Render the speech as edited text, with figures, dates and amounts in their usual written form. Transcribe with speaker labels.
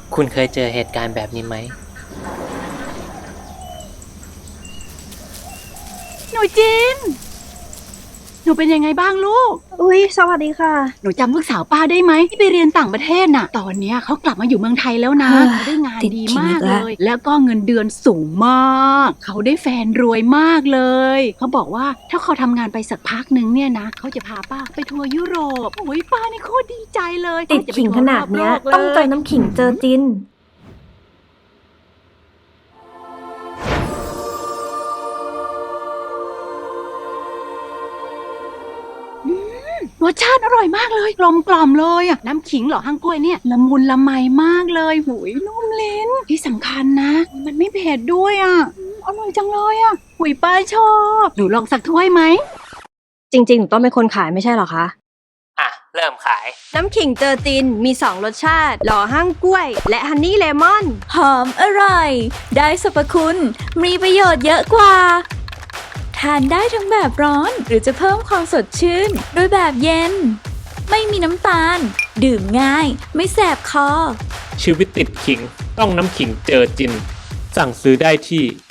Speaker 1: คุณเคยเจอเหตุการณ์แบบนี้ไหม
Speaker 2: หนูจินหนูเป็นยังไงบ้างลูก
Speaker 3: อุ๊ยสวัสดีค่ะ
Speaker 2: หนูจำลูกสาวป้าได้ไหมที่ไปเรียนต่างประเทศน่ะ ตอนเนี้ยเขากลับมาอยู่เมืองไทยแล้วนะ
Speaker 3: เฮ้ย
Speaker 2: เขาได้งาน
Speaker 3: ติด
Speaker 2: ดี
Speaker 3: ขิง
Speaker 2: มาก
Speaker 3: อีกแล้
Speaker 2: เล
Speaker 3: ว
Speaker 2: ย แล้วก็เงินเดือนสูงมาก เขาได้แฟนรวยมากเลย เขาบอกว่าถ้าเขาทำงานไปสักพักนึงเนี่ยนะเขาจะพาป้าไปทัวร์ยุโรปโอ้ยป้านี่โคตรดีใจเลย
Speaker 3: ติด
Speaker 2: จะไป
Speaker 3: ขิง
Speaker 2: ทัวร์
Speaker 3: ขนาดเนี้ย
Speaker 2: รบโลกล
Speaker 3: ต้องเจอน้ำขิงเจอจิน
Speaker 2: รสชาติอร่อยมากเลยกลมกล่อมเลยอ่ะน้ำขิงเหรอฮั่งกล้วยเนี่ยละมุนละไมมากเลยหุยนุ่มลิ้นที่สำคัญนะมันไม่เผ็ดด้วยอ่ะอร่อยจังเลยอ่ะหุยป้าชอบหนูลองสักถ้วยไหม
Speaker 3: จริงๆหนูต้องเป็นคนขายไม่ใช่เหรอคะ
Speaker 1: อ่ะ เริ่มขาย
Speaker 3: น้ำขิงเจอจินมี2รสชาติหล่อห้างกล้วย และฮันนี่เลมอน
Speaker 4: หอมอร่อย ได้สรรพคุณ มีประโยชน์เยอะกว่า ทานได้ทั้งแบบร้อนหรือจะเพิ่มความสดชื่นด้วยแบบเย็น ไม่มีน้ำตาล ดื่มง่าย ไม่แสบคอ
Speaker 5: ชีวิตติดขิงต้องน้ำขิงเจอจิน สั่งซื้อได้ที่